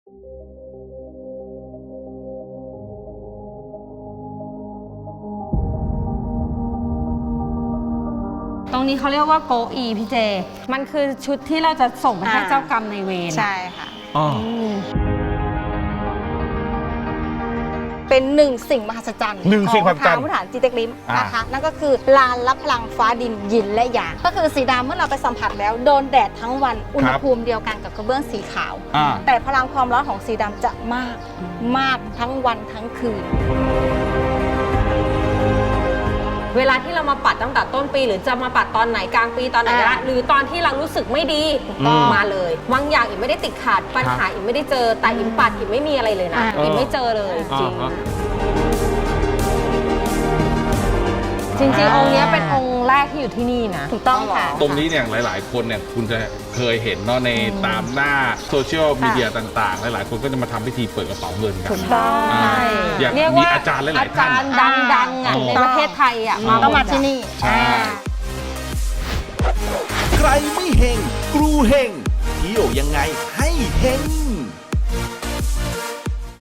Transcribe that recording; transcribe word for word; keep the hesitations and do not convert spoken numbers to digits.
ตรงนี้เขาเรียกว่าโกอีพี่เจมันคือชุดที่เราจะส่งไปให้เจ้ากรรมในเวรใช่ค่ะเป็นหนึ่งสิ่งมหัศจรรย์หนึ่งสิ่งมหัศจรรย์ของทางพุทธานจีเต็กลิมนะคะนั่นก็คือลานรับพลังฟ้าดินยินและหยางก็คือสีดำเมื่อเราไปสัมผัสแล้วโดนแดดทั้งวันอุณหภูมิเดียวกันกับกระเบื้องสีขาว แต่พลังความร้อนของสีดำจะมากมากทั้งวันทั้งคืนเวลาที่เรามาปัดตั้งแต่ต้นปีหรือจะมาปัดตอนไหนกลางปีตอนไหนก็ได้หรือตอนที่เรารู้สึกไม่ดีมาเลยบางอย่างอิมไม่ได้ติดขัดปัญหาอิมไม่ได้เจอแต่อิมปัดอิมไม่มีอะไรเลยนะอิมไม่เจอเลยจริงจริงๆองค์นี้เป็นองค์แรกที่อยู่ที่นี่นะถูกต้องค่ะตรงนี้เนี่ยหลายๆคนเนี่ยคุณจะเคยเห็นเนาะในตามหน้าโซเชียลมีเดียต่างๆหลายๆคนก็จะมาทำพิธีเปิดกระเป๋าเงินกันถูกต้องอย่างมีอาจารย์หลายๆท่านอาจารย์ดังๆอ่ะในประเทศไทยอ่ะต้องมาที่นี่ใครไม่เฮงกรูเฮงเที่ยวยังไงให้เฮง